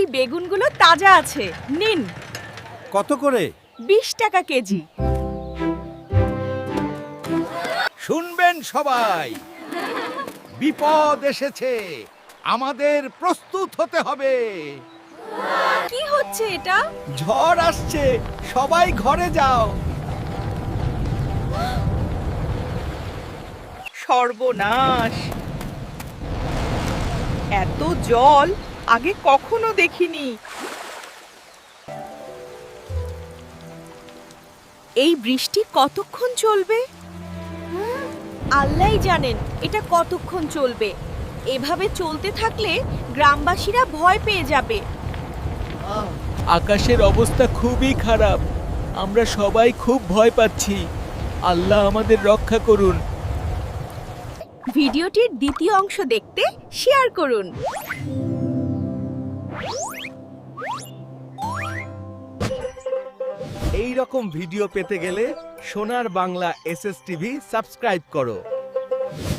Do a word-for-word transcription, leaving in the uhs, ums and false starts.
বেগুনগুলো তাজা আছে, নিন। কত করে? বিশ টাকা কেজি। শুনবেন সবাই, বিপদ এসেছে, আমাদের প্রস্তুত হতে হবে। কি হচ্ছে এটা? ঝড় আসছে, সবাই ঘরে যাও। সর্বনাশ! এত জল আগে কখনো দেখিনি। এই বৃষ্টি কতক্ষণ চলবে? আল্লাহই জানেন এটা কতক্ষণ চলবে। এভাবে চলতে থাকলে গ্রামবাসীরা ভয় পেয়ে যাবে। আকাশের অবস্থা খুবই খারাপ, আমরা সবাই খুব ভয় পাচ্ছি। আল্লাহ আমাদের রক্ষা করুন। ভিডিওটির দ্বিতীয় অংশ দেখতে শেয়ার করুন। এই রকম ভিডিও পেতে গেলে Sonar Bangla S S TV subscribe করো।